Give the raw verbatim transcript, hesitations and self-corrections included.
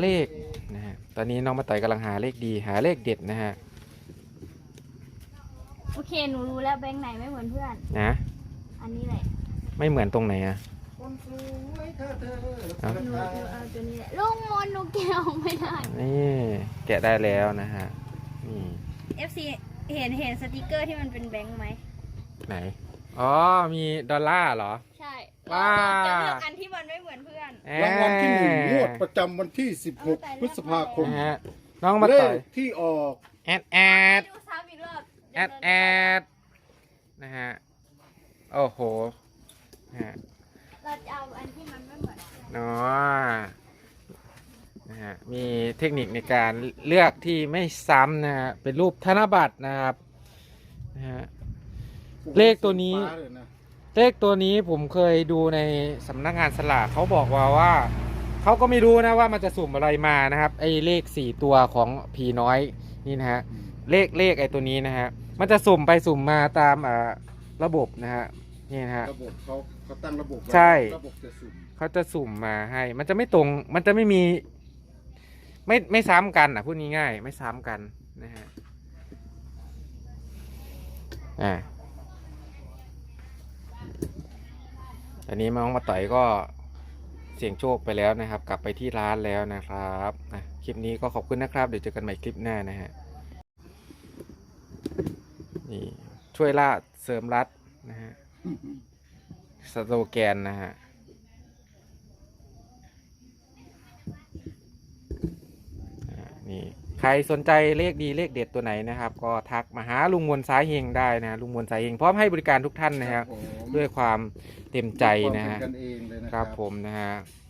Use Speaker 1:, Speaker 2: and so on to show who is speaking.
Speaker 1: เลขนะฮะตอนนี้น้องมาต่อยกำลังหาเลขดีหาเลขเด็ดนะฮะ
Speaker 2: โอเคหนูรู้แล้วแบงค์ไหนไม่เหมือนเพื่อน
Speaker 1: นะ
Speaker 2: อันนี้แหละ
Speaker 1: ไม่เหมือนตรงไหนอ่ะ
Speaker 2: หนูหนูเอาตัวนี้แหละลุงมนหนูแกะออกไม่ได้
Speaker 1: นี่แกะได้แล้วนะฮะนี่
Speaker 2: เอฟ ซี เห็นเห็นสติกเกอร์ที่มันเป็นแบงค์ไหม
Speaker 1: ไหนอ๋อมีดอลลาร์เหรอ
Speaker 2: ใช่
Speaker 1: ว้า
Speaker 2: จะเลือกอันที่มันไม่เหมือนเพื่อน
Speaker 3: รางวัลที่หนึ่งงวดประจำวันที่สิบหกพฤษภาคม
Speaker 1: นะฮะน้องมา
Speaker 3: เล
Speaker 1: ต่อย
Speaker 3: ขที่ออก
Speaker 1: แอดแอด
Speaker 2: ดูซ้ำอีกรอบ
Speaker 1: แอดแอดนะฮะโอ้โหนะฮะ
Speaker 2: เราจะเอาอันที่มันไม่เหมือนเพื่อน
Speaker 1: เนาะนะฮะมีเทคนิคในการเลือกที่ไม่ซ้ำนะฮะเป็นรูปธนบัตรนะครับนะฮะเลขตัวนี้เลขตัวนี้ผมเคยดูในสำนักงานสลากเขาบอกว่าว่าเขาก็ไม่รู้นะว่ามันจะสุ่มอะไรมานะครับไอ้เลขสี่ตัวของผีน้อยนี่นะฮะเลขเลขไอ้ตัวนี้นะฮะมันจะสุ่มไปสุ่มมาตามอ่าระบบนะฮะนี่นะฮะ
Speaker 3: ระบบเขาเขาตั้งระบบ
Speaker 1: ใช่
Speaker 3: ระบบจะสุ่ม
Speaker 1: เขาจะสุ่มมาให้มันจะไม่ตรงมันจะไม่มีไม่ไม่ซ้ำกันอ่ะพูดง่ายๆไม่ซ้ำกันนะฮะอ่าอันนี้น้องมาต่อยก็เสี่ยงโชคไปแล้วนะครับกลับไปที่ร้านแล้วนะครับนะคลิปนี้ก็ขอบคุณนะครับเดี๋ยวเจอกันใหม่คลิปหน้านะฮะนี่ช่วยล่าเสริมรัดนะฮะสโลแกนนะฮะนี่ใครสนใจเลขดีเลขเด็ดตัวไหนนะครับก็ทักมาหาลุงมวลสายเฮงได้นะลุงมวลสายเฮงพร้อมให้บริการทุกท่านนะครับด้วยความเต็มใจนะฮะครับผมนะฮะ